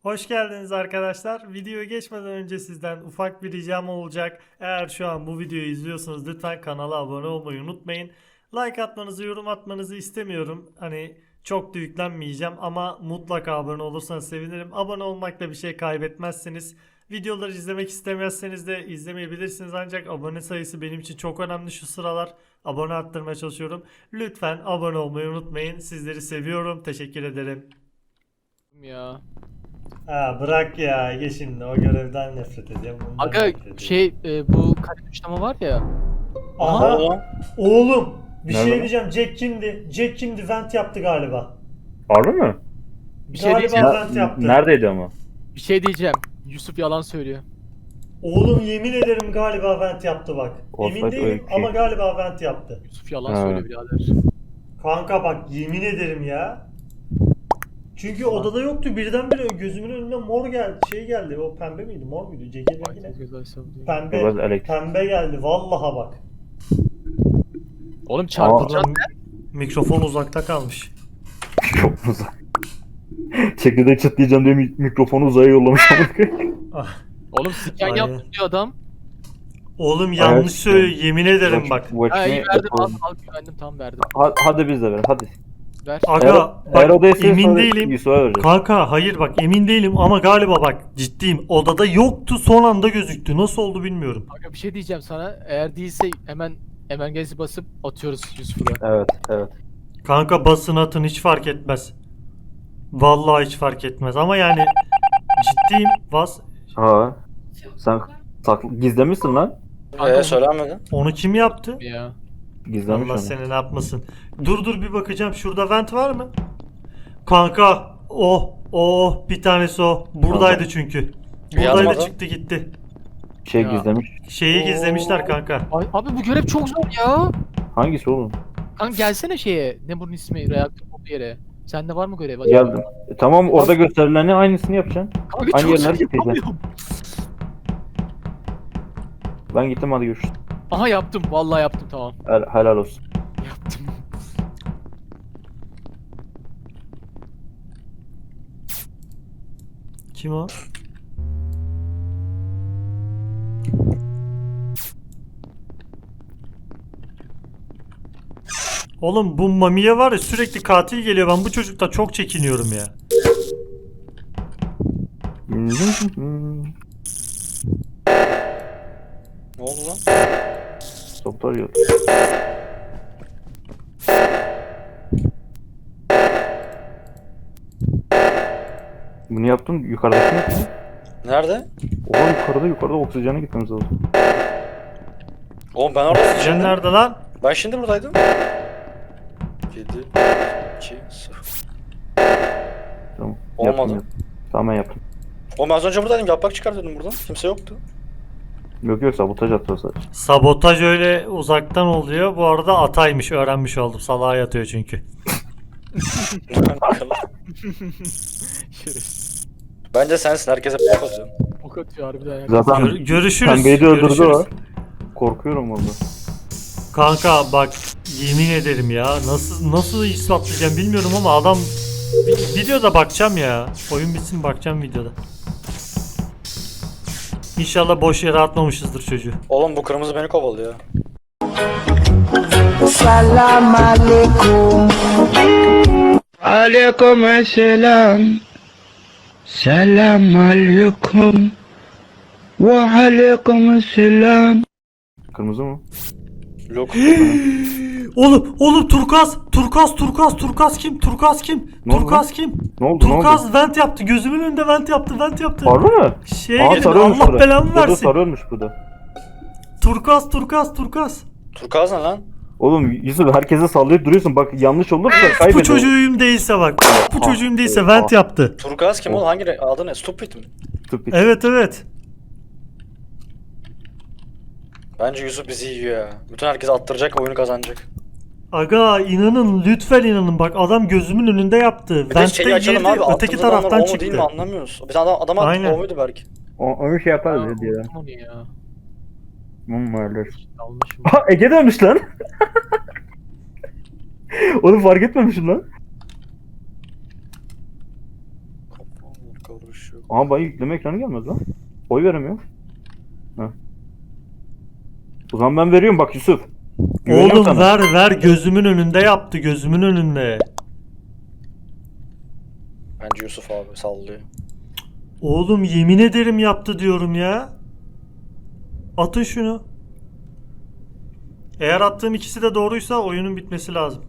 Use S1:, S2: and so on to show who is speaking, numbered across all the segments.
S1: Hoş geldiniz arkadaşlar. Videoya geçmeden önce sizden ufak bir ricam olacak. Eğer şu an bu videoyu izliyorsanız lütfen kanala abone olmayı unutmayın. Like atmanızı, yorum atmanızı istemiyorum. Hani çok da yüklenmeyeceğim ama mutlaka abone olursanız sevinirim. Abone olmakla bir şey kaybetmezsiniz. Videoları izlemek istemezseniz de izlemeyebilirsiniz ancak abone sayısı benim için çok önemli şu sıralar. Abone arttırmaya çalışıyorum. Lütfen abone olmayı unutmayın. Sizleri seviyorum. Teşekkür ederim.
S2: Ya.
S1: Ha bırak ya Ege şimdi o görevden nefret ediyorum. Bundan
S2: Aga
S1: nefret ediyorum.
S2: bu kare tuşlama var ya.
S1: Aha oğlum bir
S3: Nerede
S1: şey
S3: lan?
S1: diyeceğim. Jack kimdi? Jack kimdi? Vent yaptı galiba.
S3: Harbi mi?
S2: Bir şey
S1: Galiba
S2: diyeceğim.
S1: vent yaptı.
S3: Neredeydi ama?
S2: Bir şey diyeceğim. Yusuf yalan söylüyor.
S1: Oğlum yemin ederim galiba vent yaptı bak. Emin
S3: Offside
S1: değilim
S3: öykü.
S1: ama galiba vent yaptı.
S2: Yusuf yalan
S3: Ha.
S2: söylüyor birader.
S1: Kanka bak yemin ederim ya. Çünkü odada yoktu birdenbire gözümün önüne mor geldi. Şey geldi o pembe miydi mor muydu? Jack'in rengi ne? Pembe.
S3: Biraz elektrik.
S1: Pembe geldi vallaha bak.
S2: Oğlum çarpılacağız.
S1: Mikrofon uzakta kalmış.
S3: Çok uzak. Çekirdek çıtlayacağım diye mikrofonu uzaya yollamış.
S1: Ah.
S2: Oğlum scan
S1: Aynen.
S2: yaptım diyor adam.
S1: Oğlum yanlış söylüyor yemin ederim bak.
S2: Ha iyi verdim al güvendim tam verdim.
S3: Hadi biz de ver hadi.
S2: Ver.
S1: Aga
S3: Eğer
S1: bak
S3: odaysa
S1: emin değilim.
S3: Yusuf'a vereceğiz.
S1: Kanka hayır bak emin değilim ama galiba bak ciddiyim. Odada yoktu son anda gözüktü. Nasıl oldu bilmiyorum.
S2: Aga bir şey diyeceğim sana. Eğer değilse hemen emergency basıp atıyoruz Yusuf'u da.
S3: Evet.
S1: Kanka basın atın hiç fark etmez. Vallahi hiç fark etmez ama yani ciddiyim. Bas.
S3: Ha. Sen gizlemişsin lan.
S4: Söylenmedi.
S1: Onu kim yaptı?
S2: Ya.
S3: Gizlemiş
S1: Allah
S3: onu.
S1: seni ne yapmasın. Dur bir bakacağım. Şurada vent var mı? Kanka bir tanesi o. Buradaydı
S3: Tamam.
S1: çünkü.
S4: Bir
S1: Buradaydı
S4: yazmadı.
S1: çıktı gitti.
S3: Şey
S2: Ya.
S3: gizlemiş.
S1: Şeyi gizlemişler kanka.
S2: Ay, abi bu görev çok zor ya.
S3: Hangisi oğlum?
S2: Kanka gelsene şeye. Ne bunun ismi? Reaktör olduğu yere. Sende var mı görev acaba?
S3: Geldim. Tamam orada gösterilenin aynısını yapacaksın.
S2: Kanka
S3: Aynı
S2: çok
S3: yerler
S2: zor
S3: gideceğim.
S2: yapamıyorum.
S3: Ben gittim hadi görüşürüz.
S2: Aha yaptım. Vallahi yaptım tamam.
S3: Helal olsun.
S2: Yaptım.
S1: Kim o? Oğlum bu Mami'ye var ya sürekli katil geliyor. Ben bu çocukta çok çekiniyorum ya.
S4: Ne oldu lan?
S3: Doktor yok. Bunu yaptın yukarıdaki yaptın.
S4: Nerede?
S3: Oha yukarıda oksijene gitmemiz lazım.
S4: Oğlum ben orada
S1: Sen nerede lan?
S4: Ben şimdi buradaydım. 7 2 0.
S3: Tamam.
S4: Olmadı.
S3: Yaptım. Tamam ben yaptım.
S4: Oğlum ben az önce buradaydım. Yaprak çıkar dedim buradan. Kimse yoktu.
S3: Yok sabotaj atıyor sadece.
S1: Sabotaj öyle uzaktan oluyor. Bu arada ataymış öğrenmiş oldum. Salağa yatıyor çünkü.
S2: Şerefsiz.
S4: Bence sensin. Herkese bok atıyorsun.
S2: Ok atıyor harbiden ya.
S3: Zaten
S1: Görüşürüz.
S3: pembeyi de öldürdü
S1: Görüşürüz.
S3: o. Korkuyorum valla.
S1: Kanka bak yemin ederim ya nasıl ispatlayacağım bilmiyorum ama adam videoda bakacağım ya. Oyun bitsin bakacağım videoda. İnşallah boş yere atmamışızdır çocuğu.
S4: Oğlum bu kırmızı beni kovalıyor.
S5: Salam alaikum. Alaikum selam. Selam alaikum. Ve alaikum selam.
S3: Kırmızı mı?
S4: Yok.
S1: Oğlum Turkuaz kim? Turkuaz kim?
S3: Ne oldu
S1: Turkuaz kim?
S3: Ne oldu?
S1: Turkuaz vent yaptı. Gözümün önünde vent yaptı.
S3: Harbi mi?
S1: Şeye gelin
S3: sarıyormuş
S1: Allah
S3: burada.
S1: belamı
S3: Burada
S1: versin.
S3: sarıyormuş burada.
S1: Turkuaz.
S4: Turkuaz ne lan?
S3: Oğlum Yusuf herkese sallayıp duruyorsun. Bak yanlış olursa
S1: Bu
S3: kaybederim.
S1: çocuğum değilse bak. Bu çocuğum değilse vent yaptı.
S4: Turkuaz kim oğlum? Hangi adı ne? Stupid mi?
S3: Stupid.
S1: Evet.
S4: Bence Yusuf bizi yiyor ya. Bütün herkes attıracak, oyunu kazanacak.
S1: Aga inanın lütfen inanın bak adam gözümün önünde yaptı.
S4: Bir de
S1: Vent'te
S4: şeyi açalım
S1: girdi
S4: abi.
S1: öteki
S4: attığımız adamlar
S1: taraftan
S4: o mu değil mi
S1: çıktı.
S4: anlamıyoruz. Bir tane adam attı
S1: Aynen.
S4: o muydu belki?
S3: Onu şey yaparız
S2: Ya,
S3: ya diye.
S2: unuttum onu ya.
S3: Öyle.
S2: Almışım.
S3: Ha Ege dönmüş lan. Onu fark etmemişim lan.
S4: Kafam karışıyor.
S3: Aha bana yükleme ekranı gelmez lan. Oy veremiyor. Heh. O zaman ben veriyorum bak Yusuf. Güveniyorum
S1: Oğlum
S3: sana.
S1: ver gözümün önünde yaptı, gözümün önünde.
S4: Bence Yusuf abi sallıyor.
S1: Oğlum yemin ederim yaptı diyorum ya. Atın şunu. Eğer attığım ikisi de doğruysa oyunun bitmesi lazım.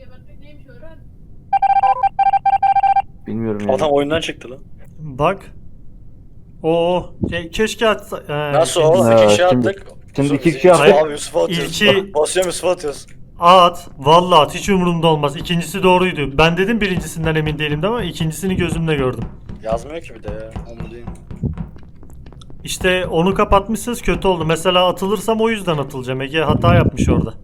S3: Bilmiyorum yani.
S4: Adam oyundan çıktı lan.
S1: Bak. Oo, keşke atsa.
S4: Nasıl
S1: ikinci-
S4: o?
S3: Ha,
S4: İki kişi
S3: şimdi-
S4: attık.
S3: şimdi
S4: Yusuf-
S3: iki kişi
S4: Yusuf
S1: attık.
S4: Abi Yusuf'a atıyoruz.
S1: İlki-
S4: Basıyorum Yusuf'a atıyoruz.
S1: At. Vallahi at. Hiç umurumda olmaz. İkincisi doğruydu. Ben dedim birincisinden emin değilim de ama ikincisini gözümle gördüm.
S4: Yazmıyor ki bir de ya. Onu değil.
S1: İşte onu kapatmışsınız kötü oldu. Mesela atılırsam o yüzden atılacağım. Ege hata yapmış orada.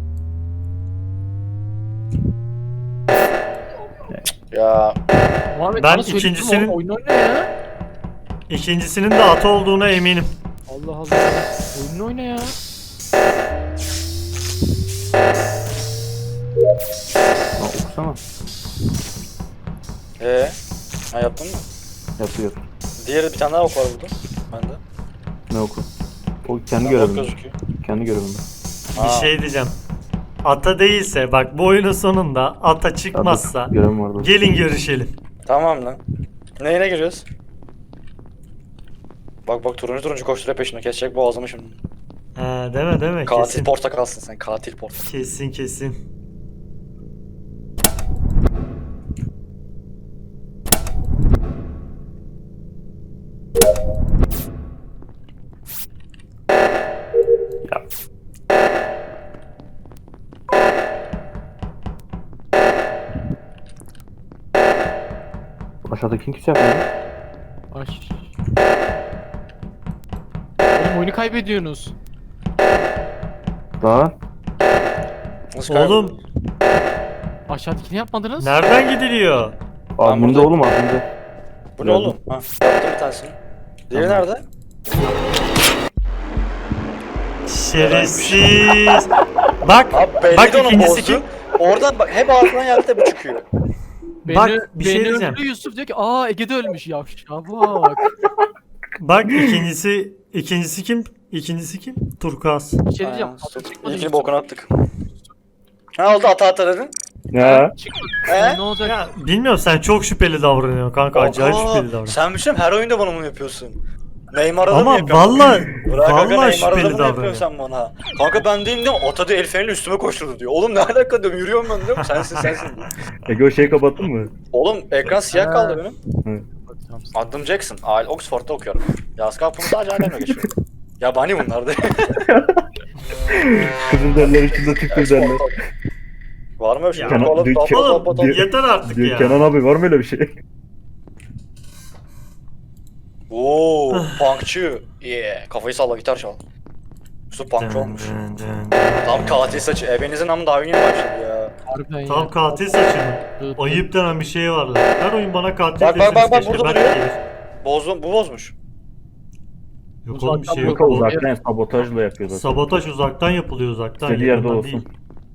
S4: Ya
S2: Muhammed
S1: Ben
S2: bana söyledin mi?
S1: ikincisinin-
S2: Oyun oyna ya.
S1: İkincisinin de at olduğuna eminim.
S2: Allah Allah. Oyun oyna ya.
S3: Ha, okusana.
S4: ha yaptın mı?
S3: Yapıyor.
S4: Diğeri bir tane daha ok var burada. Bende.
S3: Ne oku? O kendi
S4: Ok
S3: görevinde.
S4: gözüküyor.
S3: Kendi görevinde.
S1: Bir şey diyeceğim. Ata değilse bak bu oyunun sonunda ata çıkmazsa
S3: Hadi, görevim vardı.
S1: gelin görüşelim.
S4: Tamam lan. Neyine giriyoruz? Bak turuncu koşturuyor peşine kesecek boğazımı şimdi.
S1: Ha, deme
S4: Katil
S1: kesin.
S4: portakalsın sen katil portakal.
S1: Kesin.
S3: Ya. Aşağıdaki kimse yapmıyor.
S2: Ay. Oğlum oyunu kaybediyorsunuz.
S3: Daha
S4: Nasıl
S1: Oğlum
S2: Aşağıdakini yapmadınız.
S1: nereden gidiliyor?
S3: adminde
S4: burada-
S3: oğlum adminde.
S4: Bu ne oğlum? Ha, yaptım bir tanesini. Diğeri
S3: Tamam.
S4: nerede?
S1: Şerefsiz. Bak
S4: Abi belli
S1: bak
S4: de onun
S1: ikincisi
S4: boss'u.
S1: kim?
S4: Oradan bak hep ağzından geldi de bu çıkıyor.
S1: Bak, bir şey
S2: beni
S1: diyeceğim.
S2: öldürüyor Yusuf diyor ki aa Ege'de ölmüş ya. Bak.
S1: Bak ikincisi kim? İkincisi kim? Turkuaz.
S2: Bir şey diyeceğim.
S4: Aynen,
S2: Atı
S4: stop.
S2: çıkmadı
S4: İlkini
S2: Yusuf.
S4: bokunu attık. Ne oldu ata dedin?
S3: Ya.
S2: Çıkmadı.
S4: He?
S2: Ne olacak?
S1: Ya bilmiyorum sen çok şüpheli davranıyorsun kanka. Acayip
S4: Aa,
S1: şüpheli davranıyorsun.
S4: Sen bir şey mi? Her oyunda bana bunu yapıyorsun. Neymar'da da mı
S1: Ama
S4: yapıyorsun?
S1: valla
S4: Bırak aga
S1: valla
S4: Neymar'da da
S1: şüpheli
S4: mı yapıyorsun
S1: davranıyorsun.
S4: sen bana? Kanka ben değilim diyorum. Ata diyor el freni üstüme koşturdu diyor. Oğlum ne alaka diyorum. Yürüyorum ben diyorum. Sensin.
S3: Ege o şeyi kapattın mı?
S4: Oğlum ekran siyah kaldı benim.
S2: Bak, tamam.
S4: Adım Jackson. Oxford'da okuyorum. Yaz kapımı sadece ailemle geçiyorum. Yabani bunlar da.
S3: Kızıl derler içinde Türk derler.
S4: Var mı öyle bir şey?
S1: Ya,
S3: Kenan-
S4: Oğlum,
S3: Dü-
S4: top,
S3: Kenan-
S4: top, top, top.
S3: Dü-
S1: Yeter artık
S3: Diyor,
S1: ya.
S3: Kenan abi var mı öyle bir şey?
S4: Oo, punkçı. Yeah. Kafayı salla gitar çal. Yusuf punkçı olmuş. Tam katil saçı. Ebenizin amı daha yeni başladı ya.
S2: Harbiden ya.
S1: Tam katil saçı mı?
S2: Evet.
S1: Ayıp denen bir şey var lan. Her oyun bana katil
S4: Bak,
S1: deseniz
S4: bak,
S1: keşke.
S4: burada
S1: Belki
S4: duruyor.
S1: gelir.
S4: Bu bozmuş.
S1: Yok oğlum bir şey yok.
S3: Kanka
S1: O-
S3: uzaktan sabotajla yapıyor zaten.
S1: Sabotaj uzaktan yapılıyor uzaktan.
S3: İstediği yerde
S1: yakından
S3: olsun.
S1: değil.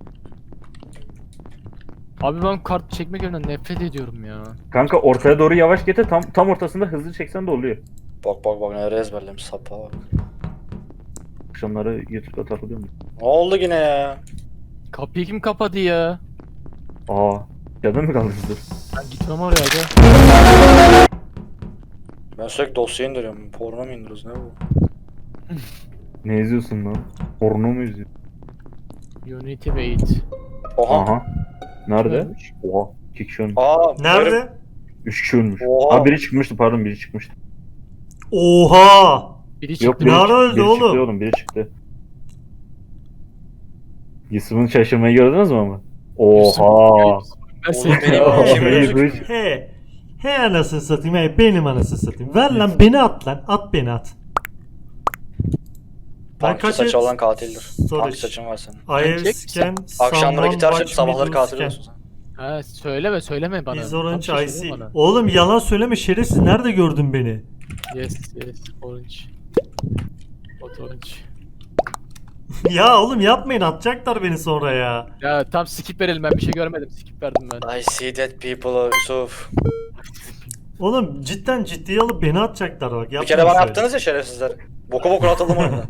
S2: Abi ben kart çekme görevinden nefret ediyorum ya.
S3: Kanka ortaya doğru yavaş getir tam ortasında hızlı çeksen de oluyor.
S4: Bak nereye ezberlemiş sapa bak.
S3: Akşamları YouTube'da takılıyorum.
S4: Ne oldu yine ya?
S2: Kapıyı kim kapadı ya?
S3: Aa, canın mı kalmıştır?
S2: Ben gitmem oraya aga.
S4: Ben sürekli dosya indiriyorum. Porno mu indiriyoruz ne bu?
S3: Ne izliyorsun lan? Porno mu izliyorsun?
S2: Unity wait.
S4: Oha.
S3: Aha. Nerede?
S2: Ölmüş.
S3: Oha. 2 kişi ölmüş.
S4: Aa, herif-
S1: Nerede?
S3: 3 kişi ölmüş.
S4: Oha.
S3: Aa biri çıkmıştı pardon biri çıkmıştı.
S1: Oha!
S2: Biri
S3: Yok
S2: çıktı.
S3: biri,
S1: Ne ara öldü
S3: biri
S1: oğlum?
S3: çıktı oğlum biri çıktı. Yusuf'un şaşırmayı gördünüz mü ama? Oha.
S4: Oğlum benim
S3: Aa,
S4: kim
S3: hayır,
S4: gözüküyor?
S3: hiç.
S1: He anasını satayım. He benim anasını satayım. Ver lan beni at lan. At beni at.
S4: Punkçı saçı olan katildir.
S1: Sorry.
S4: Punkçı saçın var senin.
S1: I have
S2: Çek.
S1: scanned
S4: Akşamları
S1: someone
S4: gitar
S1: watch
S4: çalıp sabahları
S1: me do
S4: katil
S1: scan.
S4: oluyorsun sen.
S2: Ha söyleme bana.
S1: Is
S2: Tam
S1: orange
S2: şey
S1: I
S2: söyle
S1: see.
S2: bana.
S1: Oğlum yalan söyleme şerefsiz. Nerede gördün beni?
S2: Yes orange. What orange?
S1: Ya oğlum yapmayın atacaklar beni sonra ya.
S2: Ya tam skip verelim ben bir şey görmedim skip verdim ben.
S4: I see dead people Yusuf.
S1: Oğlum cidden ciddiye alıp beni atacaklar bak.
S4: Bir kere bana yaptınız ya şerefsizler. Boku bokuna atıldım oyundan.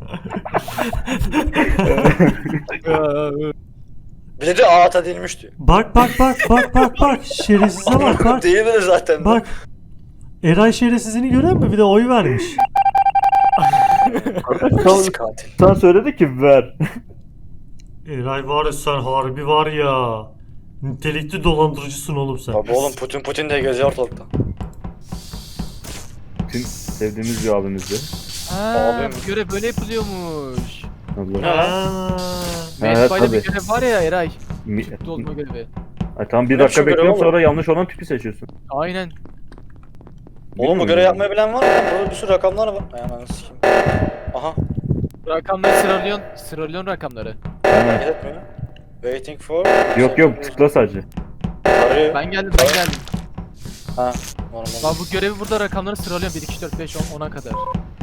S4: Bir de ata değilmiş diyor.
S1: Bak. Şerefsize bak.
S4: Değil mi zaten?
S1: Bak. Eray şerefsizini görüyor musun? Bir de oy vermiş.
S4: Pis katil.
S3: Sen söyledi ki ver.
S1: Eray var ya sen harbi var ya. Nitelikli dolandırıcısın oğlum sen.
S4: Tabii oğlum Putin diye geziyor ortalıkta.
S3: Tüm sevdiğimiz bir abimizdi.
S2: Ha, bu görev böyle yapılıyormuş.
S3: Allah.
S1: Ha.
S3: Evet,
S2: Medbay'da
S3: tabii.
S2: bir görev var ya Eray.
S3: Mi-
S2: Tüplü olma görevi.
S3: Ay, tamam bir
S4: Ne
S3: dakika
S4: şu görev
S3: bekliyorum
S4: oğlum?
S3: sonra yanlış olan tüpü seçiyorsun.
S2: Aynen.
S4: Oğlum bu görev yapmayı bilen var mı? Burada bir sürü rakamlar var. Ay ananı sikeyim. Aha.
S2: Rakamları sıralıyorsun rakamları.
S3: Aynen.
S4: Hareket etmiyor. Waiting for.
S3: Yok tıkla sadece.
S4: Arıyor.
S2: Ben geldim.
S4: Ha. Normal.
S2: Ben bu görevi burada rakamları sıralıyorum. 1, 2, 3, 4, 5, 10, 10'a kadar.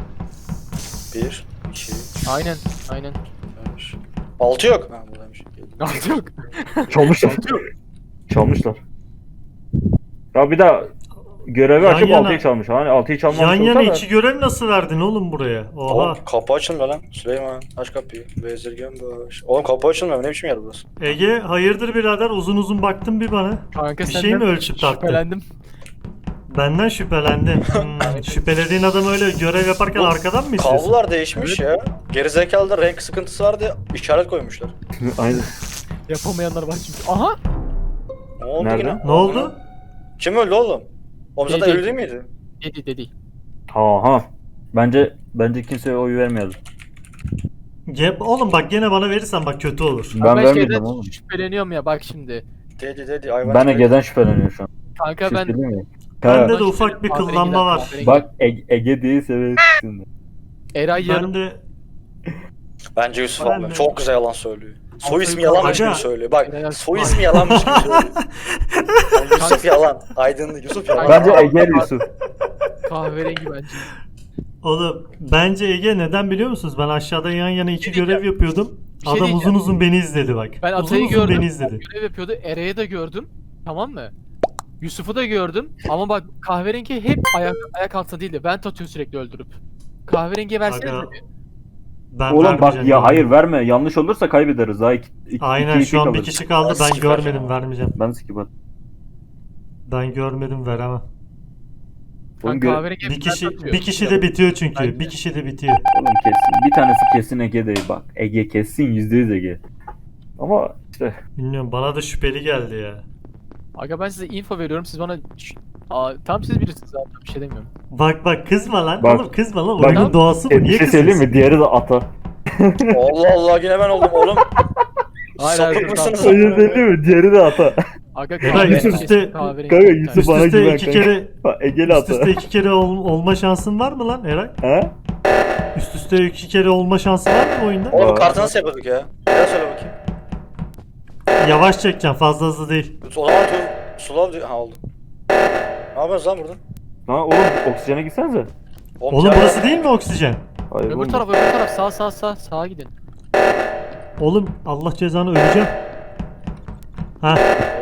S4: 1, 2,
S2: Aynen.
S4: 5. 6 yok. Ha buradaymış.
S2: Yok.
S3: Çalmışlar. Çalmışlar. Ya bir daha görevi
S1: Yan
S3: açıp
S1: yana.
S3: 6'yı çalmış. Hani 6'yı çalmamış
S1: Yan yana
S3: olsa da.
S1: iki görev nasıl verdin oğlum buraya? Oha.
S4: Oğlum kapı açılmıyor lan. Süleyman aç kapıyı. Bezirgen baş. Oğlum kapı açılmıyor. Ne biçim yer burası?
S1: Ege hayırdır birader uzun baktın bir bana.
S2: Kanka
S1: Bir şey
S2: senden
S1: mi ölçüp tarttın?
S2: şüphelendim.
S1: Benden şüphelendin. Şüphelediğin adam öyle görev yaparken
S4: Bu
S1: arkadan mı istiyorsun?
S4: Kablolar değişmiş ya. Gerizekalıda renk sıkıntısı var diye işaret koymuşlar.
S3: Aynen.
S2: Yapamayanlar var çünkü. Aha!
S4: Ne oldu
S3: Nerede?
S4: yine?
S1: Ne oldu?
S4: Kim öldü oğlum? Oğlum zaten
S2: Dedi.
S4: ölü değil miydi?
S2: Dedi.
S3: Aha. Bence kimseye oy vermiyordu.
S1: Oğlum bak gene bana verirsen bak kötü olur.
S3: Ben vermedim
S2: şeyden
S3: oğlum.
S2: şüpheleniyorum ya bak şimdi.
S4: Dedi hayvan.
S3: Ben Ege'den şüpheleniyorum şu an.
S2: Kanka
S3: Siz
S2: ben
S3: değil mi?
S1: Bende
S3: Ha,
S1: de ufak bir kıllanma var.
S3: bak Ege değilse evet. şimdi.
S2: Eray yarım.
S1: Ben de
S4: Bence Yusuf
S1: Ben
S4: abi
S1: de-
S4: çok güzel yalan söylüyor. Soy ismi
S2: Aga.
S4: yalanmış gibi söylüyor. Bak
S2: Aga.
S4: soy ismi yalanmış gibi söylüyor. Yani Yusuf yalan. Aydınlık Yusuf yalan.
S3: Bence Ege Yusuf.
S2: Kahverengi bence.
S1: oğlum bence Ege neden biliyor musunuz? Ben aşağıda yan yana iki
S2: Bir şey
S1: görev yapıyordum.
S2: Bir şey
S1: Adam
S2: diyeceğim.
S1: uzun beni izledi bak.
S2: Ben
S1: uzun
S2: Atay'ı
S1: uzun
S2: gördüm.
S1: beni izledi.
S2: Görev yapıyordu. Eray'ı da gördüm. Tamam mı? Yusuf'u da gördüm. Ama bak kahverengi hep ayak altında değildi. Ben atıyor sürekli öldürüp. Kahverengiye versene
S1: Aga,
S2: tabii.
S1: Ben
S3: Oğlum bak
S1: vermeyeceğim.
S3: ya hayır verme. Yanlış olursa kaybederiz. Daha
S1: Aynen şu an bir kişi kaldı. Ben
S4: Skip
S1: görmedim
S4: vereceğim.
S1: vermeyeceğim.
S3: Ben skip at.
S1: Ben görmedim veremem.
S3: Oğlum,
S2: Kahverengi hep
S1: Bir kişi
S2: ben atıyor.
S1: bir kişi de bitiyor çünkü.
S2: Bence.
S1: Bir kişi de bitiyor.
S3: Oğlum kesin. Bir tanesi kesin Ege değil bak. Ege kesin %100 Ege. Ama işte
S1: Bilmiyorum bana da şüpheli geldi ya.
S2: Aga ben size info veriyorum. Siz bana... tam siz bilirsiniz zaten. Bir şey demiyorum.
S1: Bak kızma lan.
S3: Bak.
S1: Oğlum kızma lan.
S3: Bak.
S1: Oyunun doğası bu.
S3: bir
S1: Niye
S3: şey söyleyeyim
S1: kızıyorsun?
S3: mi? Diğeri de ata.
S4: Allah Allah yine ben oldum oğlum. Sapık mısınız?
S3: Öyle söyleyeyim mi? Diğeri de ata.
S2: Aga
S1: Eray,
S2: kahverengi
S1: üst üste-
S2: kahverengi
S3: Kanka
S2: bir
S3: Yusuf
S2: tane.
S3: bana
S1: Üst üste
S3: güven
S1: iki
S3: kanka.
S1: kere
S3: Ha, Egeli
S1: üst üste
S3: ata.
S1: iki kere olma şansın var mı lan Eray?
S3: Ha?
S1: Üst üste iki kere olma şansı var mı bu oyunda?
S4: Oğlum kartı nasıl yapıyorduk ya? Bir daha söyle bakayım.
S1: Yavaş çekeceğim fazla hızlı değil.
S4: O zaman slow diyor. Ha oldu. Ne yapıyorsun lan burada?
S3: Lan oğlum oksijene gitsenize.
S1: Oğlum
S4: ya-
S1: burası değil mi oksijen?
S3: Hayır
S2: Öbür
S3: oğlum.
S2: taraf sağa gidin.
S1: Oğlum Allah cezanı öleceğim. Ha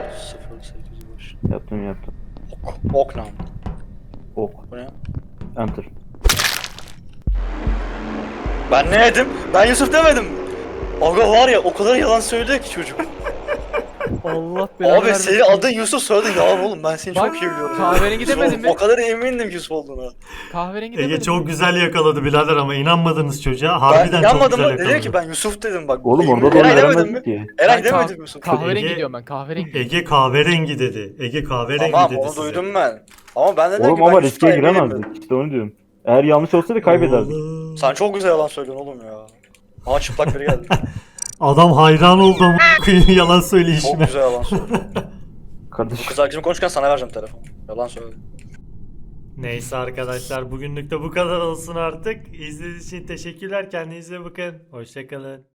S4: 0805.
S3: Yaptım.
S4: Ok nam.
S3: Ok.
S4: Bu ne?
S3: Enter.
S4: Ben ne dedim? Ben Yusuf demedim. Aga var ya o kadar yalan söylüyor ki çocuk.
S2: Allah belanı
S4: Abi
S2: vermesin.
S4: senin adın Yusuf söyledin yalan oğlum ben seni
S2: Bak,
S4: çok iyi biliyorum.
S2: kahverengi
S4: Yusuf
S2: demedin
S4: oğlum,
S2: mi?
S4: O kadar emindim Yusuf olduğuna.
S2: Kahverengi demedim.
S1: Ege çok güzel yakaladı birader ama inanmadınız çocuğa.
S4: Ben
S1: Harbiden çok
S4: inanmadım
S1: güzel
S4: mı?
S1: yakaladı.
S4: Dedi ki ben Yusuf dedim bak.
S3: Oğlum onda da
S4: Eray demedim
S3: veremedik
S4: mi?
S3: ki.
S4: Eray
S2: Ben
S4: demedim Yusuf.
S2: Kahverengi
S1: Ege-
S2: diyorum ben kahverengi.
S1: Ege kahverengi dedi. Ege kahverengi
S4: Tamam
S1: dedi
S4: onu
S1: size.
S4: duydum ben. Ama ben dedim
S3: Oğlum
S4: ki ben
S3: ama
S4: Yusuf'tan
S3: riske
S4: eminim
S3: giremezdik. İşte onu diyorum. Eğer yanlış olsaydı kaybederdik.
S1: Oğlum.
S4: Sen çok güzel yalan söylüyorsun oğlum ya. Aa çıplak biri geldi.
S1: Adam hayran oldu ama yalan
S4: Çok
S1: söyleyişine.
S4: güzel yalan söylüyor.
S3: Kardeş.
S4: Kız arkadaşım konuşurken sana vereceğim telefonu. Yalan söyledi.
S1: Neyse arkadaşlar bugünlük de bu kadar olsun artık. İzlediğiniz için teşekkürler. Kendinize bakın. Hoşçakalın.